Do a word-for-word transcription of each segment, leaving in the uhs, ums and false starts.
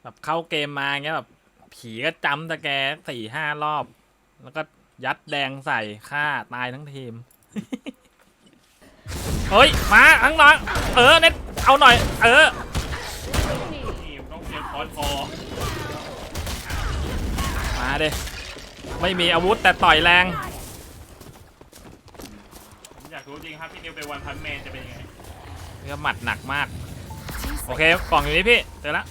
แบบเข้าเกมมาเงี้ยแบบผีก็จำตะแกสี่ห้ารอบแล้วก็ยัดแดงใส่ฆ่าตายทั้งทีม เฮ้ยมาทั้งน้องเออเน็ตเอาหน่อยเออนี่ต้องเตรียมคอนคอมาดิไม่มีอาวุธแต่ต่อยแรงผมอยากรู้จริงครับพี่นิวไปวันพันแมนจะเป็นยังไงเนื้อหมัดหนักมากโอเคกล่องอยู่นี่พี่เจอละ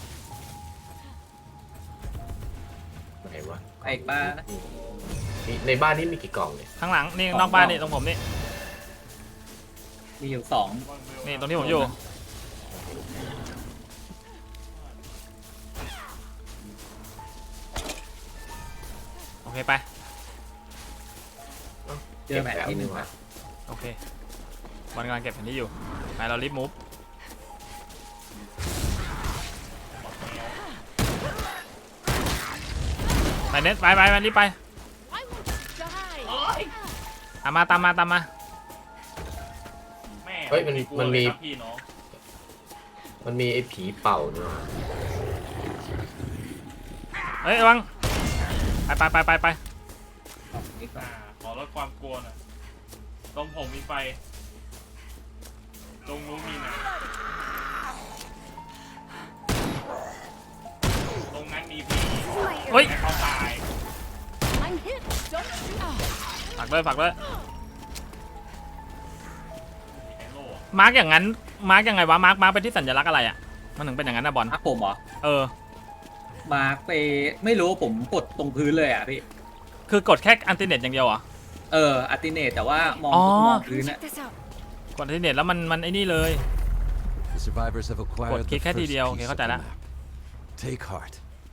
ไหนวะไอ้บ้านะในบ้านนี่มีกี่กล่องเนี่ยข้างหลังนี่นอกบ้านนี่ตรงผมนี่มีอยู่สองนี่ตรงที่ผมอยู่โอเคไปเจอแมทที่หนึ่งวะนะโอเคบอลกำลังเก็บแผนที่อยู่ไปเรารีบมูฟไปเน็ตไปไปไปรีบไปตามมาตามมาตามมาแม่เฮ้ยมันมันมีพี่น้องมันมีไอ้ผีเป่าเนี่ยเฮ้ยระวังไปไปไปไปไปสองนี่ก่ออ่าน ขอลดความกลัวหน่อยตรงผมมีไฟตรงนู้นมีน้ำตรงนั้นมีผีเฮ้ยให้เขาตายฝากเลยฝากเลยไอ้โล่มาร์กอย่างนั้นมาร์กยังไงวะมาร์กมาร์กเป็นที่สัญลักษณ์อะไรอ่ะมันถึงเป็นอย่างนั้นนะบอลอ่ะผมเหรอเออมาร์คไปไม่รู้ผมกดตรงพื้นเลยอ่ะพี่คือกดแค่อันติเน็ตอย่างเดียวเหรอเอออัติเนตแต่ว่ามองอ๋อมองพื้นอะกดอันติเน็ตแล้วมันมันไอ้นี่เลย The survivors have กด acquired คลิ the กแค่ที first เดียวโอเค piece เข้า of ใจ the ละ map. Take heart.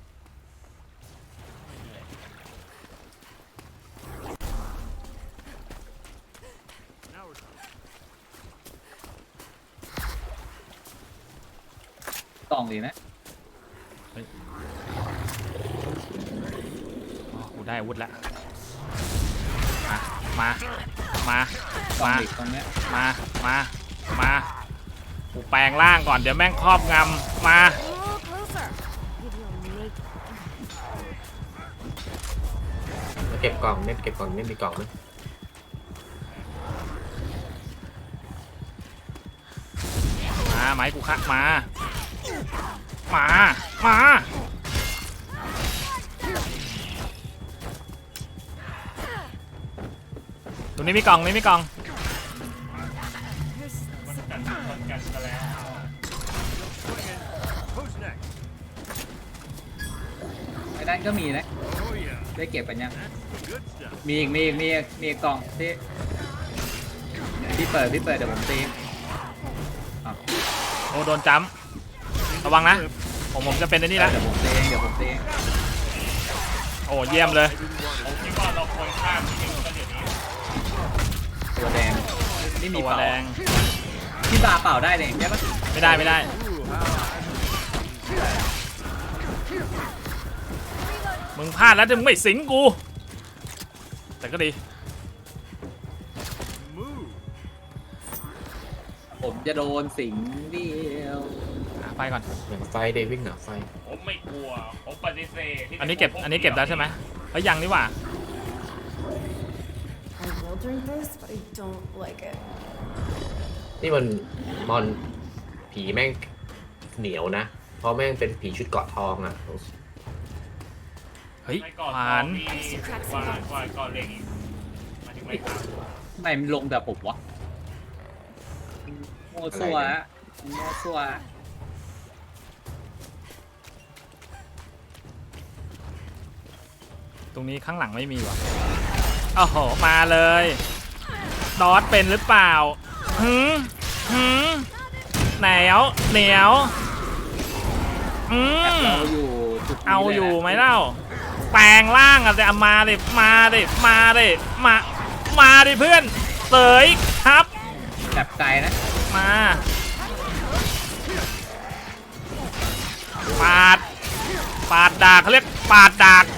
กล่องดีนะอ๋อกูได้อาวุธแล้วมามากล่องมาเด็กตรงเนี้ยมามามากูแปลงร่างก่อนเดี๋ยวแม่งครอบงำมาแล้วเก็บกล่องเน็ตเก็บกล่องเน็ตมีกล่องไหมมาไหมกูคักมามามาตรงนี้มีกล่องนี้มีกล่องมันกัดมันกัดกันแล้วไอ้นั่นก็มีนะได้เก็บกันยังมีอีกมีอีกมีอีกมีอีกกล่องที่พี่เปิดพี่เปิดเดี๋ยวผมตีอ่ะโอ้โดนจ้ำระวังนะผมผมจะเป็นไอ้นี่ละเดี๋ยวผมตีเองเดี๋ยวผมตีเองโอ้เยี่ยมเลยผมคิดว่าเราควรข้ามพี่นิวกันเดี๋ยวนี้ตัวแดงนี่มีตัวเป่าแดงพี่บาเป่าได้เลยใช่ปะไม่ได้ไม่ได้มึงพลาดแล้วถึงไม่สิงกูแต่ก็ดีผมจะโดนสิงเดียวหาไฟก่อนหนังไฟเดวิ่งหนังไฟผมไม่กลัวผมปฏิเสธที่จะอันนี้เก็บอันนี้เก็บได้ใช่ไหมเฮ้ยยังนี่หว่า I will drink this, but I don't like it. นี่มันมอนผีแม่งเหนียวนะ เพราะแม่งเป็นผีชุดเกราะทองอ่ะเฮ้ยไม่ก่อนผ่านมีกว่าก่อนก่อนเล็งอีกมาถึงไม่ครับทำไมมันลงแต่ผมวะโมวซัวอะโมวซัวตรงนี้ข้างหลังไม่มีวะโอ้โหมาเลยดอทเป็นหรือเปล่าหืมหืมเหนียวเหนียวอืมเราอยู่จุดนี้เอาลนะอยู่ไหมเล่าแปลงร่างอะแต่เอามาดิมาดิมาดิมามาดิเพื่อนเสยครับแบบไกลนะมาปาดปาดดากเขาเรียกปาดดาก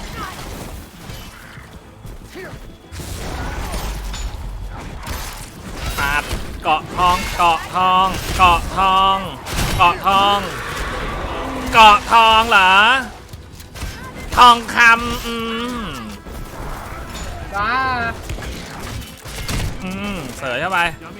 ปาดเกาะทองเกาะทองเกาะทองเกาะทองเกาะทองเหรอ ทองคำอืมว้าอืมเสยเข้าไป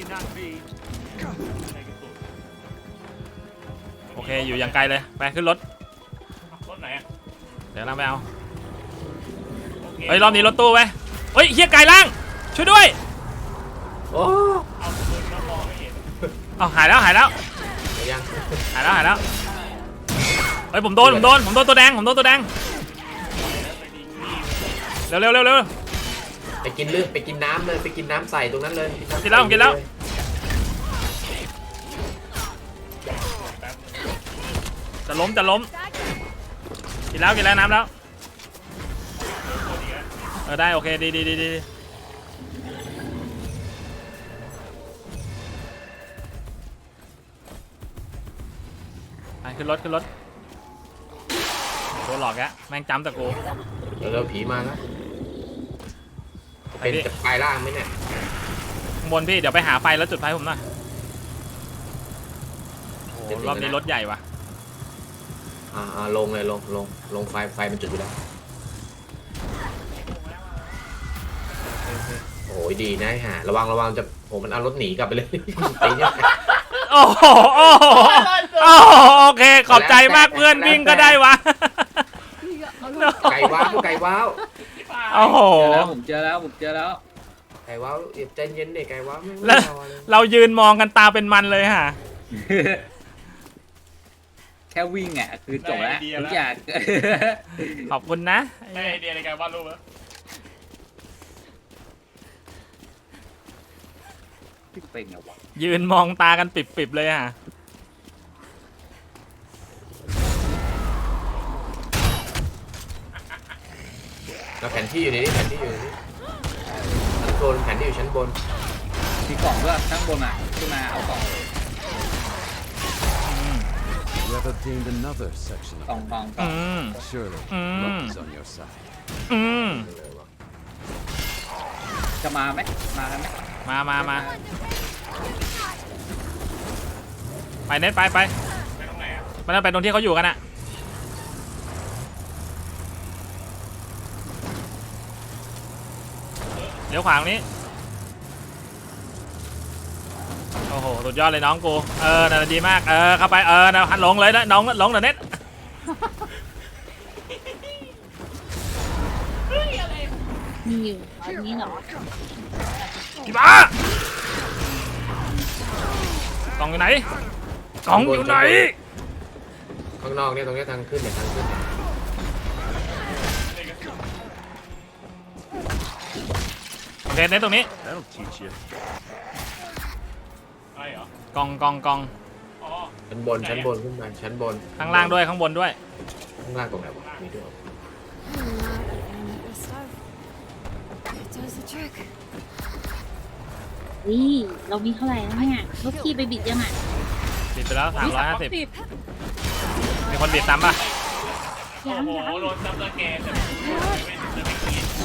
โอเค อยู่อย่างไกลเลย ไปขึ้นรถรถไหนอ่ะเดี๋ยวเราไปเอาโอเคเฮ้ย รอบนี้รถตู้ไว้เฮ้ยเฮียไกลล่าง ช่วยด้วยโอ้เอาปืนแล้วมองไม่เห็นเอาหายแล้วหายแล้วไปยังหายแล้วหายแล้ว เฮ้ย ผมโดน ผมโดน ผมโดนตัวแดง ผมโดนตัวแดง เร็วเร็วเร็วเร็วไปกินเลือดไปกินน้ำเลยไปกินน้ำใส่ตรงนั้นเลยำกินแล้วผมกินแล้ว จะล้มจะล้ม กินแล้วกินแล้วน้ำแล้ว เออได้โอเคดีดีดีดีไปขึ้นรถขึ้นรถโดนหลอกแกแม่งจำแต่กูเดี๋ยวเราผีมาแล้วจะเป็นไปพี่จะกลายร่างไหมเนี่ยข้างบนพี่เดี๋ยวไปหาไฟแล้วจุดไฟผมหน่อยโอ้โหรอบนี้รถใหญ่ว่ะอ่าอ่าลงเลยลงลงลงไฟไฟมันจุดอยู่แล้วโอ้ยดีนะฮะระวังระวังจะโอ้มันเอารถหนีกลับไปเลย ตีเนี่ยโอ้โหโอ้โหโอ้โหโอเคขอบใจมากเพื่อนวิ่งก็ได้วะไก่ว้าวไก่ว้าวโอ้โหเจอแล้วผมเจอแล้วผมเจอแล้วไก่ว้าวเดี๋ยวใจเย็นเด็กไก่ว้าวไม่แล้วรอเลยเรายืนมองกันตาเป็นมันเลยฮะแค่วิ่งอ่ะคือจบแล้วทุกอย่างขอบคุณนะได้ไอเดียในการวาดรูปแล้วเป็นไงวะยืนมองตากันปิบๆเลยฮะแล้วแผนที่อยู่ในนี้แผนที่อยู่ในนี้ชั้นบนแผนที่อยู่ชั้นบนมีกล่องด้วยข้างบนอ่ะขึ้นมาเอากล่อง You have obtained another section กล่อง of กล่องกล่อืองม Surely, Mm. luck is on your side. อืมจะมาไหมมากันไหมมามามาไปเน็ตไปไปไปตรงไหนอ่ะไปนั่นไปตรงที่เขาอยู่กันอะเดี๋ยวขวางนี้ โอ้โห สุดยอดเลยน้องกู เออน่าดีมาก เออ เข้าไป เออนะลงเลยนะน้องลงเดี๋ยวเน็ตมีอยู่ตอนนี้เหรอพี่บ้ากล่องอยู่ไหนกล่องอยู่ไหนข้างนอกเนี่ยตรงเนี้ยทางขึ้นเนี่ยทางขึ้นโอเคเน็ตตรงนี้ That'll teach you. ไอ้เหรอกล่องกล่องกล่องอ๋อชั้นบนชั้นบนขึ้นไปชั้นบนข้างล่างด้วยข้างบนด้วยข้างล่างตรงไหนวะมีด้วย I'm not an aggressive. It does the trick. วิเรามีเท่าไหร่แล้วเนี่ยลูกพี่ไปบิดยังอ่ะบิดไปแล้วสามร้อยห้าสิบมีคนบิดซ้ำป่ะโอ้ยังโหยังโดนซับสแกนแต่ไม่จะไม่กิน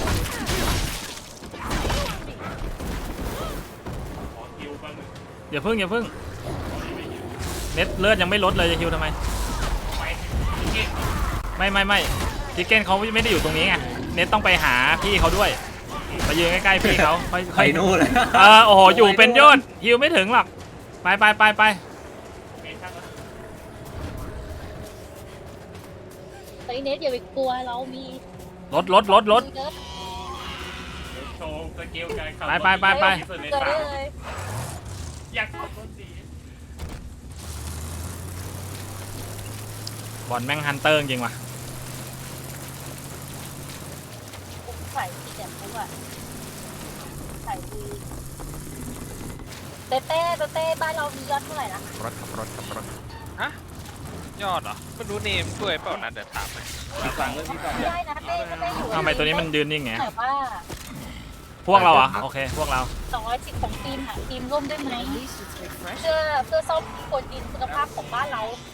ขอคิวแป๊บนึงอย่าพึ่งอย่าพึ่งเน็ตเลือดยังไม่ลดเลยจะฮิวทำไมไปกินไม่ไม่ไม่ทิกเก้นเขาไม่ได้อยู่ตรงนี้ไงเน็ตต้องไปหาพี่เขาด้วยไปยืนใกล้ๆพี่เขาค่อยไปค่อยนู่นเลยเออโอ้โหอยู่เป็นยอดฮิวไม่ถึงหรอกไปไปไปไปเมนชั่นแล้วไอเน็ตอย่าไปกลัวเรามีลดลดลดลดมีเนิร์ดโชว์สกิลการขับไปไปไปไปที่สุดในเกิดป่าได้เลยอยากขับรถสีบอลแม่งฮันเตอร์จริงว่ะใส่ที่แบบนี้ว่ะใส่ดีเต้เต้เต้เต้บ้านเรามียอดเท่าไหร่นะรถขับรถขับรถฮะยอดเหรอไม่รู้เนมด้วยเปล่านะเดี๋ยวถามไปมีกล่องด้วยมีกล่องไม่ด้วยได้นะเต้เต้เต้อยู่ทำไมตัวนี้มันยืนนิ่งไงแต่ว่าพวกเราอ่ะโอเคพวกเราสองร้อยสิบของทีมหาทีมร่วมได้ไหม At least it's refreshing. เพื่อเพื่อซ่อมกดดินคุณภาพของบ้านเรา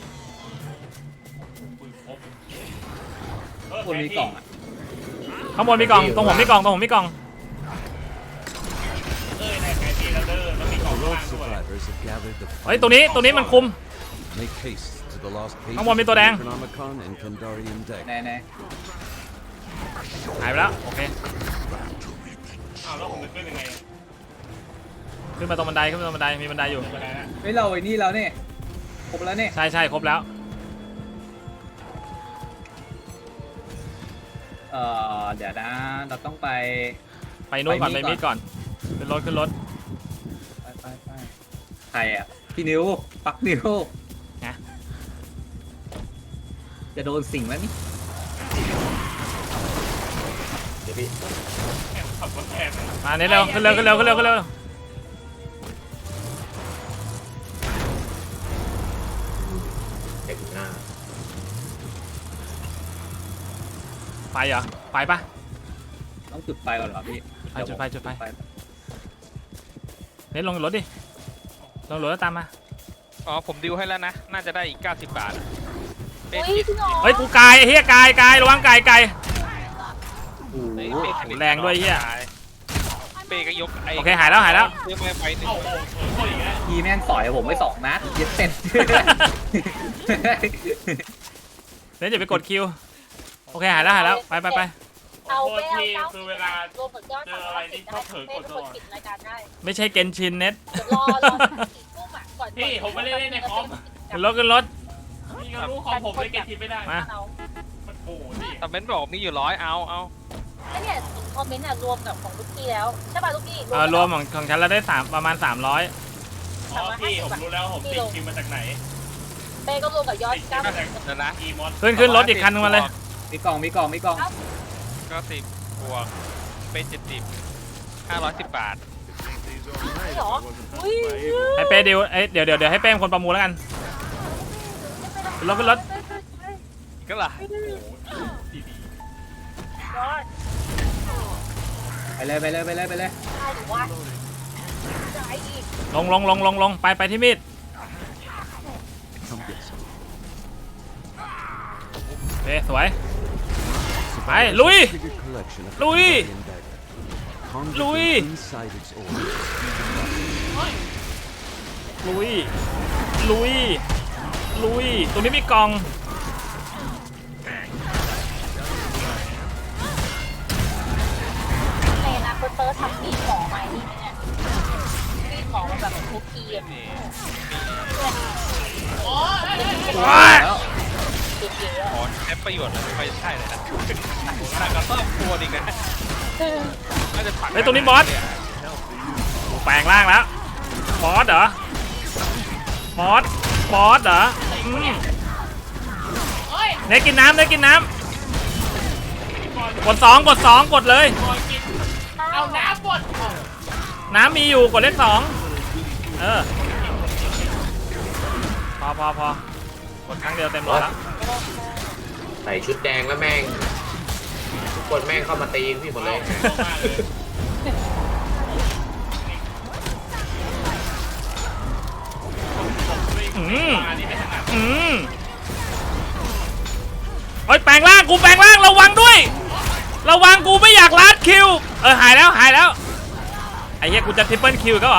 ปืนพกคนมีกล่องอ่ะข้างบนมีกล่องตรงผมมีกล่องตรงผมมีกล่องเอ้ยในแผนที่เราเดินแล้วมีกล่อง The ข้าง rogue ล่างด้วย survivors have gathered the เฮ้ยตัวนี้ตัวนี้มันคุม Make haste to the the lost pages Không, một bên tôi of the đang. Necronomicon and Kandarian ไหน dagger. ไหนหายไปแล้วโอเคอ้าวแล้วผมจะขึ้นยังไงขึ้นมาตรงบันไดขึ้นมาตรงบันไดมีบันไดอยู่ไปไหนนะเฮ้ยเราไอ้นี่แล้วเนี่ยครบแล้วเนี่ยใช่ใช่ครบแล้วเออเดี๋ยวนะเราต้องไปไปนู่นก่อนไปไปนี่มิดก่อนขึ้นรถขึ้นรถไปไปไปใครอ่ะพี่นิวปักนิวนะจะโดนสิ่งแล้วนี่เดี๋ยวพี่แอบขับรถแอบมาเนี้เร็วขึ้นเร็วขึ้นเร็วขึ้นเร็วขึ้นเร็วเด็กอยู่หน้าไปเหรอไปปะต้องจุดไฟก่อนเหรอพี่ไปจุดไฟจุดไฟไฟเน็ตลงรถดิลงรถแล้วตามมาอ๋อผมดิวให้แล้วนะ น่าจะได้อีกเก้าสิบบาทเป้อุ้ยจิตจริงเหรอเฮ้ยกูกายไอ้เฮียกายกายระวังกายกายโอ้โหเป้สนิทแรงด้วยเหี้ยเป้ก็ยกไอ้โอเคหายแล้วหายแล้วเพื่อไม่ไปหนึ่งเอ้าโอ้โหโอ้ยอีกแล้วพี่แม่งสอยผมไว้สองนัดเย็ดเสร็จเน็ตอย่าไปกดคิวโอเคหายแล้วหายแล้วไปไปไปเอาโทษไปเอาทีเก้าคือเวลารวมถึงยอดเจออะไรนี่ชอบเผลอกดตลอดปิดรายการได้ไม่ใช่เกนชินเน็ตเดี๋ยวรอรอสี่ทุ่มอ่ะก่อนพี่ผมไม่ได้เล่นในคอมขึ้นรถขึ้นรถพี่ก็รู้คอมผมเลยเก็บทีไม่ได้มาเอามันโอ้โหนี่แต่เบนบอกมีอยู่ร้อยเอาเอาแล้วเนี่ยคอมเมนต์อ่ะรวมกับของลูกพี่แล้วใช่ป่ะลูกพี่เออรวมของของฉันแล้วได้สามประมาณสามร้อยอ๋อพี่ผมรู้แล้วผมติดคิวมาจากไหนเป้ก็รวมกับยอดติดคิเก้าวมาจากเดี๋ยวนะอีมอสขึ้นขึ้นรถอีกคันนึงมาเลยมีกล่องมีกล่องมีกล่องเก้าสิบบวกเป้เจ็ดสิบห้าร้อยสิบบาทใช่หรออุ้ยให้เป้ดิวเอ้ยเดี๋ยวเดี๋ยวเดี๋ยวให้เป้เป็นคนประมูลแล้วกันขึ้นรถขึ้นรถก็ล่ะโอ้โหดีดียอดไปเลยไปเลยไปเลยไปเลยได้หรือว่าได้อีกลงลงลงลงลงไปไปที่มีด Come get some. โอเคสวย ไปลุย Figured collection of Louis! Kandarian dagger. Conjured Louis! from inside its orb. ลุยลุยลุยตรงนี้มีกล่องในอนาคตเตอร์ทำมีดหมอใหม่นี่ไหมเนี่ยมีดหมอมาแบบทุกทีอ่ะว้ายแล้วเก๋ๆอ่ะขอใช้ประโยชน์เลยไม่ใช่เลยนะหนักกระต้อมตัวดีกันน่าจะผักเฮ้ยตรงนี้บอสแปลงร่างแล้วบอสเหรอ บอส บอสเหรออืมเน็ตกินน้ำเน็ตกินน้ำกดสองกดสองกดเลยเอาน้ำบดน้ำมีอยู่กดเลขสองเออ พอพอพอกดครั้งเดียวเต็มร้อยแล้วใส่ชุดแดงแล้วแม่งทุกคนแม่งเข้ามาตีพี่หมดเลยมากเลยอืมมานี่ไม่ถนัดอืมโอ้ยแปลงร่างกูแปลงร่างระวังด้วย ระวังกูไม่อยากลัดคิว เออหายแล้วหายแล้วไอ้เหี้ยกูจะทริปเปิลคิวก็เหรอ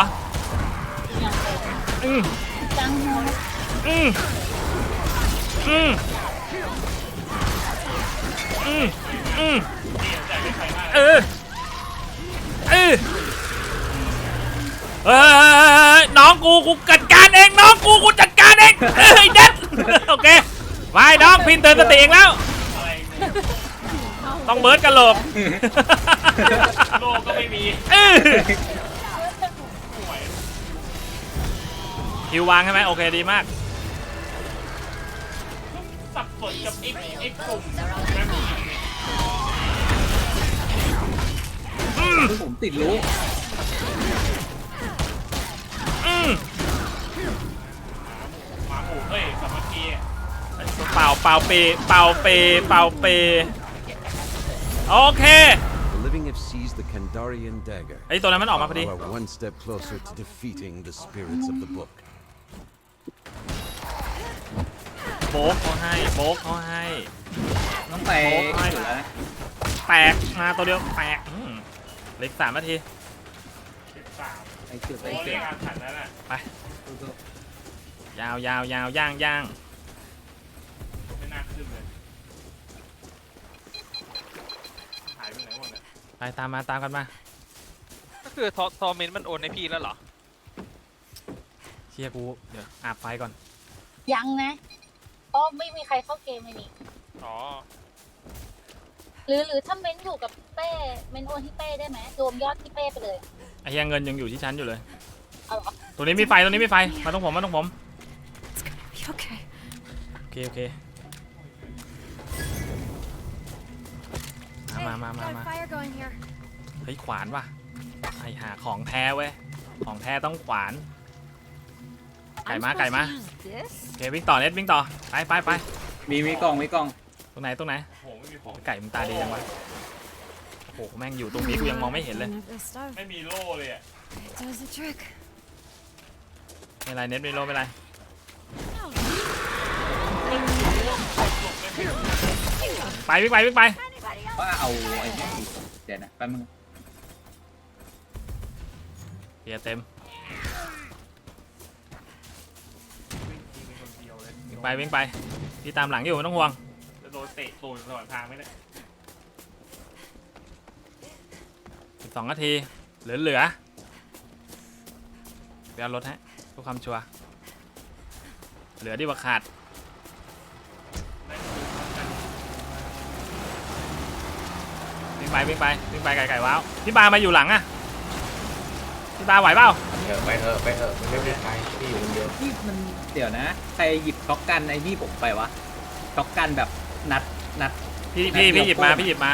อืมจังหัวอืมอืมอืมอืมเออเออเฮ้ยน้องกูกูจัดการเองน้องกูกูจัดการเองเฮ้ยเด็ดโอเคไปน้องพินเตือนสติเองแล้วอะไรเนี่ยต้องเบิร์ดกันโหลกโลกก็ไม่มีเออคิววางใช่ไหมโอเคดีมากสับสนกับไอ้ไอ้กลุ่มแม่งอืมผมติดรู้อืมหมาหมูเอ้ยสามัคคีอะเป่าเป่าเปเป่าเปเป่าเปโอเค The living have seized the Kandarian dagger. ไอ้ตัวนั้นมันออกมาพอดี You are one step closer to defeating the spirits of the book. โบกเขาให้โบกเขาให้ต้องไปจุดแล้วนะแตกมาตัวเดียวแตกอืมเหล็กสามนาทีสิบสามไปจุดไปโอ้ยจุดการขันนั้นอ่ะไป ยาวยาวยาวย่างย่างไปตามมาตามกันมาก็คือทอทอเมนมันโอนให้พี่แล้วเหรอเชียร์กูเดี๋ยวอาบไฟก่อนยังนะเพราะไม่มีใครเข้าเกมเลยนี่อ๋อหรือหรือถ้าเม้นอยู่กับเป้เม้นโอนที่เป้ได้ไหมรวมยอดที่เป้ไปเลยไอ้เหี้ยเงินยังอยู่ที่ชั้นอยู่เลยเอาเหรอตัวนี้มีไฟตัวนี้มีไฟมาตรงผมมาตรงผม Be okay. โอเคโอเคมามามามา Got มา a fire going here. เฮ้ยขวานว่ะไอหาของแท้เว้ยของแท้ต้องขวาน ไก่ I'm มา supposed ไก่มา to use this? โอเควิ่งต่อเน็ตวิ่งต่อไปไปไปมีมีกล่องมีกล่องตรงไหนตรงไหนโอ้โหไม่มีของไก่มึงตาดีจังวะโอ้โหแม่งอยู่ตรงนี้กูยังมองไม่เห็นเลย None of this stuff. ไม่มีโล่เลยอ่ะ It does the trick. ไม่เป็นไรเน็ตไม่โลไม่เป็นไรไปวิ่งไปวิ่งไปว่าเอาไอ้นี่เดี๋ยวนะแป๊บนึงเกียร์เต็มมีคนเดียวเลยวิ่งไปวิ่งไปพี่ตามหลังอยู่ไม่ต้องห่วงจะโดนเตะตูดตลอดทางไหมเนี่ยสิบสองนาทีเหลือเหลือไปเอารถฮะเพื่อความชัวร์เหลือดีกว่าขาดวิ่งไปวิ่งไปวิ่งไปไก่ไก่ว้าวพี่บามาอยู่หลังอะพี่บาไหวเปล่าเถอะไปเถอะไปเถอะมันไม่มีใครที่อยู่คนเดียวนี่มันเดี๋ยวนะ ใครหยิบช็อกกันไอ้นี่ผมไปวะช็อกกันแบบนัดนัดพี่พี่พี่หยิบมาพี่หยิบมา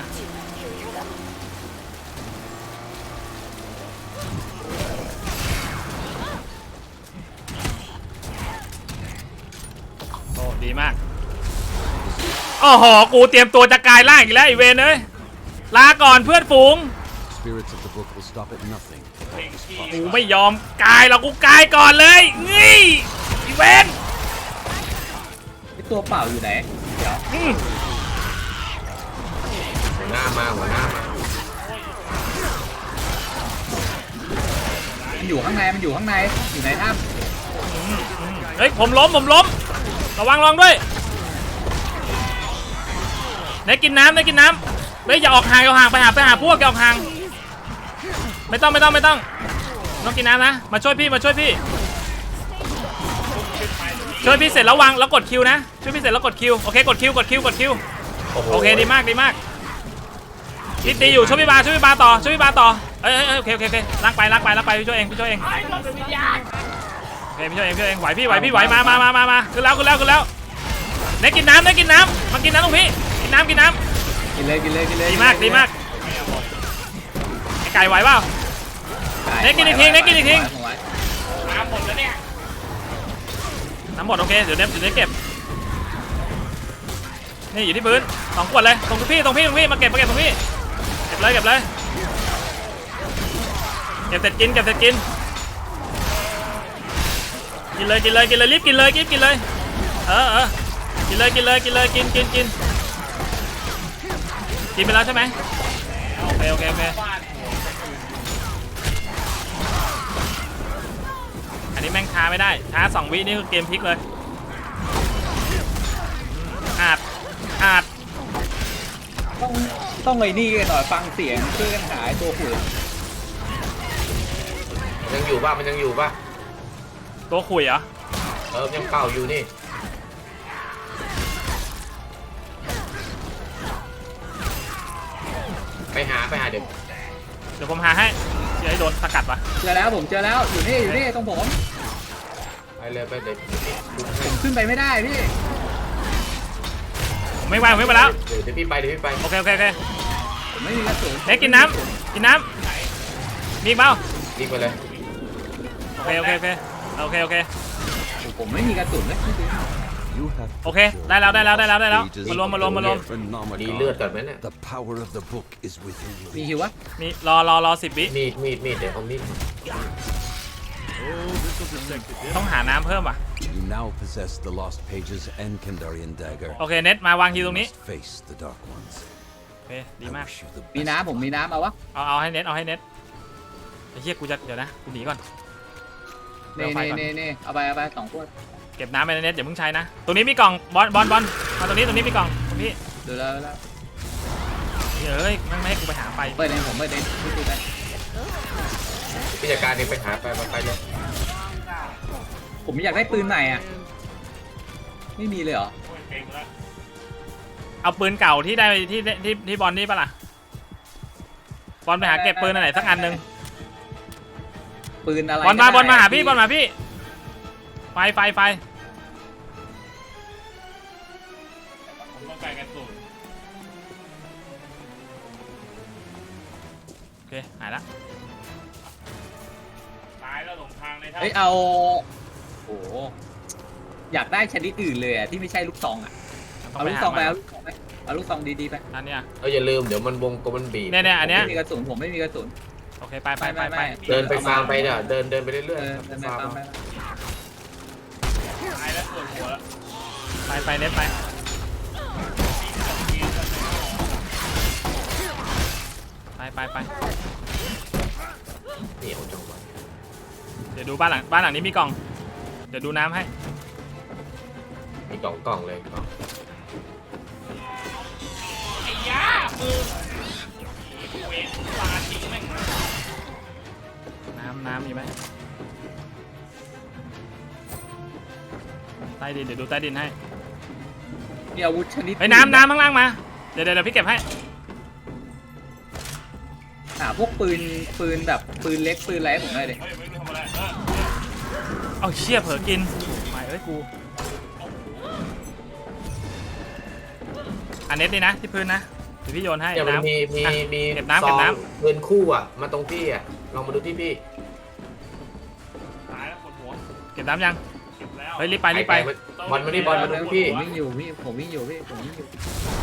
โอ้ดีมากโอ้โหกูเตรียมตัวจะกลายร่างอีกแล้วไอเวนเอ้ยลาก่อนเพื่อนฝูง Spirits of the book will stop at nothing. เพลงขี้กูไม่ยอมกายหรอกกูกายก่อนเลยงี้ไอเวนไอ้ตัวเปล่าอยู่ไหนเดี๋ยวอืมหัวหน้ามาหัวหน้ามามันอยู่ข้างในมันอยู่ข้างในอยู่ในถ้เฮ้ยผมล้มผมล้มระวังระวังด้วยไหนกินน้ำไหนกินน้ำเฮ้ยอย่าออกห่างอย่าออกห่างไปหาไปหาพวกอย่าออกห่างไม่ต้องไม่ต้องไม่ต้องต้องกินน้ำนะมาช่วยพี่มาช่วยพี่ช่วยพี่เสร็จแล้ววางแล้วกดคิวนะช่วยพี่เสร็จแล้วกดคิวโอเคกดคิวกดคิวกดคิวโอ้โหโอเคดีมากดีมากพี่ตีอยู่ช่วยพี่บาช่วยพี่บาต่อช่วยพี่บาต่อเอ้ยเอ้ยเอ้ยโอเคโอเคโอเคลากไปลากไปลากไปพี่ช่วยเองพี่ช่วยเองไอ้รถเป็นวิญญาณโอเคพี่ช่วยเองพี่ช่วยเองไหวพี่ไหวพี่ไหวมามามามามาขึ้นแล้วขึ้นแล้วขึ้นแล้วเน็กกินน้ำเน็กกินน้ำมากินน้ำตรงพี่กินน้ำกินน้ำกินเลยกินเลยกินเลยำดีมากดีมากไอไก่ไหวเปล่า เน็กกินอีกทีเน็กกินอีกทีผมไว้น้ำหมดแล้วเนี่ยน้ำหมดโอเคเดี๋ยวเน็กเดี๋ยวเน็กเก็บนี่อยู่ที่พื้นสองขวดเลยตรงพี่ตรงพี่ตรงพี่มาเก็บมาเก็บตรงพี่เก็บเลยเก็บเลยเก็บเสร็จกินเก็บเสร็จกินกินเลยกินเลยกินเลยรีบกินเลยรีบกินเลยเออเออกินเลยกินเลยกินเลยกินกินกินกินไปแล้วใช่ไหมโอเคโอเคโอเคอันนี้แม่งช้าไม่ได้ช้าสองวินี่คือเกมพลิกเลยอาดอาดต้องต้องไอ้นี่กันหน่อยฟังเสียงช่วยกันหายตัวขุ่นมันยังอยู่ป่ะมันยังอยู่ป่ะตัวขุยเหรอเออยังเป่าอยู่นี่ไปหาไปหาเดี๋ยวเดี๋ยวผมหาให้เดี๋ยวให้โดนสกัดวะเจอแล้วผมเจอแล้วอยู่นี่อยู่นี่ตรงผมไปเลยไปเดี๋ยวผมขึ้นไปไม่ได้พี่ผมไม่ไหวผมไม่ไปแล้วเดี๋ยวเดี๋ยวพี่ไปเดี๋ยวพี่ไปโอเคโอเคโอเคผมไม่มีกระสุนเน็กกินน้ำกินน้ำมีอีกเปล่ารีบไปเลยโอเคโอเคโอเคโอเคโอเคผมไม่มีกระสุนเลย You have โอเคได้แล้วได้แล้วได้แล้วได้แล้วมารวมมารวมมารวมดีเลือดก่อนไหมเนี่ย The power of the book is within มี you. ฮิววะมีรอรอรอสิบวิมีดมีดมีดเดี๋ยวเอามีดต้องหาน้ำเพิ่มว่ะ You now possess the lost pages and Kandarian dagger. โอเคเน็ตมาวางคิวตรงนี้ You must face the dark ones. โอเคดี I มาก wish you the มี best. น้ำผมมีน้ำเอาวะเอาเอาให้เน็ตเอาให้เน็ตไอ้เหี้ยกูจะเดี๋ยวนะกูหนีก่อนเน่เอาไฟเน่ก่อนเน่เน่เอาไปเอาไปสองขวดเก็บน้ำไปในเน็ตอย่าเพิ่งใช้นะตรงนี้มีกล่องบอลบอลบอลมาตรงนี้ตรงนี้มีกล่องตรงนี้เดี๋ยวแล้วแล้วเอ้ยแม่งไม่ให้กูไปหาไปเปิดเองผมเปิดเองพี่ตีไปพิจารการเองไปหาไปไปไปเลยผมอยากได้ปืนใหม่อ่ะไม่มีเลยเหรอโอ้ยเก่งแล้วเอาปืนเก่าที่ได้ที่ที่ที่บอลนี่ปะล่ะบอลไปหาเก็บปืนอันไหนสักอันหนึ่งปืนอะไรบอลมาก็ได้บอลมาหาพี่บอลมาพี่ไฟไฟไฟผมต้องการกระสุนโอเคหายละตายแล้วหลงทางเลยท่านเฮ้ยเอาโอ้โหอยากได้ชนิดอื่นเลยอ่ะที่ไม่ใช่ลูกซองอ่ะต้เอาไปลูกหาซองไปใหม่เอาลูกซองไปเอาลูกซองดีๆไปอันเนี้ยเอออย่าลืมเดี๋ยวมันวงกลมมันบีบเนี่ยเนี่ยอันเนี้ยไม่มีกระสุนผมไม่มีกระสุนโอเคไปไปไปไปเดินไปฟาร์มไปเนี่ยเดินเดินไปเรื่อยเออๆเดินไปฟาร์ตามมไปตายแล้วปวดหัวแล้วไปไปเน็ตไปไปไปไปเหนียวจังวะเดี๋ยวดูบ้านหลังบ้านหลังนี้มีกล่องเดี๋ยวดูน้ำให้มีกล่องกล่องเลยกล่องไอ้ยามือเวทปลาทิ้งแม่งน้ำน้ำมีไหมใต้ดินเดี๋ยวดูใต้ดินให้มีอาวุธชนิดไอ้ยน้ำน้ำข้างล่างมาเดี๋ยวเดี๋ยวเดี๋ยวพี่เก็บให้หาพวกปืนปืนแบบปืนเล็กปืนอะไรให้ผมหน่อยดิเฮ้ยไม่รู้ทำอะไรเออเอาเชี่ยเผลอกินไม่เอ้ยกูอันเน็ตนี่นะที่พื้นนะเดี๋ยวพี่โยนให้เดี๋ยวมันน้ำมีมีอ่ะมีเก็บน้ำเก็บน้ำซองเงินคู่อ่ะมาตรงพี่อ่ะลองมาดูที่พี่ตายแล้วปวดหัวเก็บน้ำยังเก็บแล้วเฮ้ยรีบไปรีบไปบอลมานี่บอลมาดูพี่ผมวิ่งอยู่พี่ผมวิ่งอยู่พี่ผมวิ่งอยู่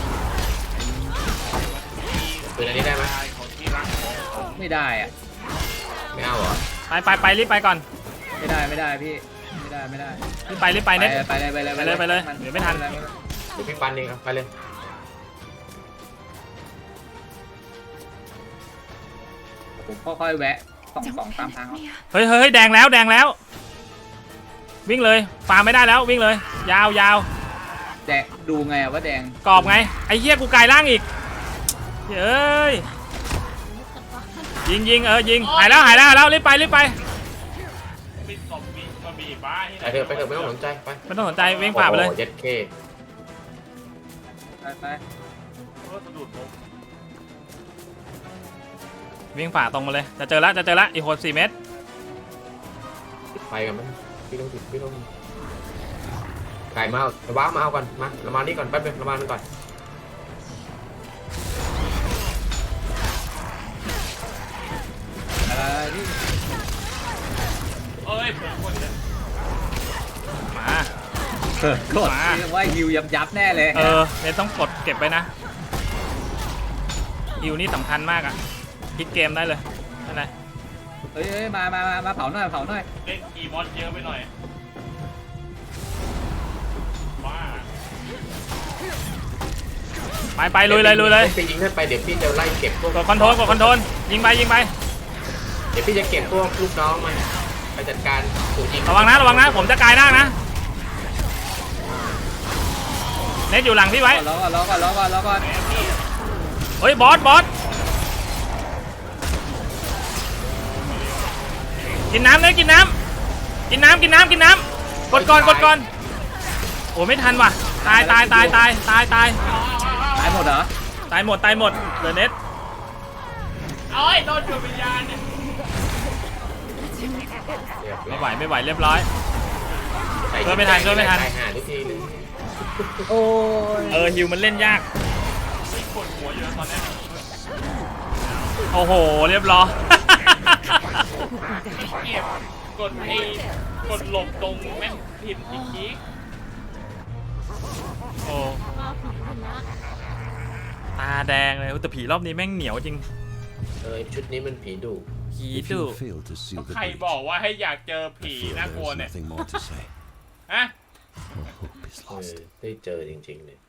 ปืนอันนี้ได้ไหมตายของที่รักของไม่ได้อ่ะไม่เอาเหรอไปไปไปรีบไปก่อนไม่ได้ไม่ได้พี่ไม่ได้ไม่ได้รีบไปรีบไปเน็ตไปเลยไปเลยไปเลยไปเลยเดี๋ยวไม่ทันปเลยเดี๋ยวพี่ปันเองครับไปเลยผมค่อยๆแวะสองสองตามทางเอาเฮ้ยเฮ้ยเฮ้ยแดงแล้วแดงแล้ว วิ่งเลยฟาร์มไม่ได้แล้ววิ่งเลย ยาวยาวแดงดูไงอะว่าแดงกรอบไงไอ้เหี้ยกูกลายร่างอีกเฮ้ยยิงยิงเออยิงหายแล้วหายแล้วหายแล้วรีบไปรีบไปมีศพมีกระบี่บ้าที่ไหนไปเถอะไปเถอะไม่ต้องสนใจไปไม่ต้องสนใจวิ่งฝ่าไปเลยโอ้โหเจ็ดเคไปไปเออสะดุดผมวิ่งฝ่าตรงมาเลยจะเจอแล้วจะเจอแล้วอีกหกสี่เมตรไปกันไหมพี่ต้องติดพี่ต้องไก่มาเอาว้ามาเอาก่อนมาเรามานี่ก่อนแป๊บนึงเรามานี่ก่อนอะไรพี่เอ้ยผมคนเนี่ยมาเออกดมาเรียกว่าฮิวยับยับแน่เลยเออเนี่ยต้องกดเก็บไว้นะฮิวนี่สำคัญมากอะพลิกเกมได้เลยนั่นไงเฮ้ยเฮ้ยมามามามาเผาหน่อยเผาหน่อยเล่นกีมอนเยอะไปหน่อยบ้าไปไปลุยเลยลุยเลยพี่ยิงขึ้นไปเดี๋ยวพี่จะไล่เก็บพวกกดคอนโทรลกดคอนโทรลยิงไปยิงไปเดี๋ยวพี่จะเก็บพวกลูกน้องมันไปจัดการถูกยิงระวังนะระวังนะผมจะกลายร่างนะเน็ตอยู่หลังพี่ไว้รอก่อนรอก่อนรอก่อนรอก่อนเฮ้ยบอสบอสกินน้ำเลยกินน้ำกินน้ำกินน้ำกินน้ำกดก่อนกดก่อนโอ้ไม่ทันว่ะตายตายตายตายตายตายตายหมดเหรอตายหมดตายหมดเดอะเน็ตเอ้ยโดนจุดวิญญาณเนี่ยไม่ไหวไม่ไหวเรียบร้อยใส่ช่วยไม่ทันช่วยไม่ทันใส่หาทุกทีเลยโอ้ยเออฮิวมันเล่นยากมีปวดหัวอยู่แล้วตอนเนี้ยโอ้โหเรียบร้อยเก็บกดไอ้กดหลบตรงแม่งผิดอีกทีโอ้ตาแดงเลยแต่ผีรอบนี้แม่งเหนียวจริงเออชุดนี้มันผีดุผี If ดุ you fail to seal the ใคร breach, บอกว่าให้อยากเจอผี feel น่ากลัว there's เนี่ย nothing more to say. ฮะ All hope is เออ lost. ได้เจอจริงๆเลย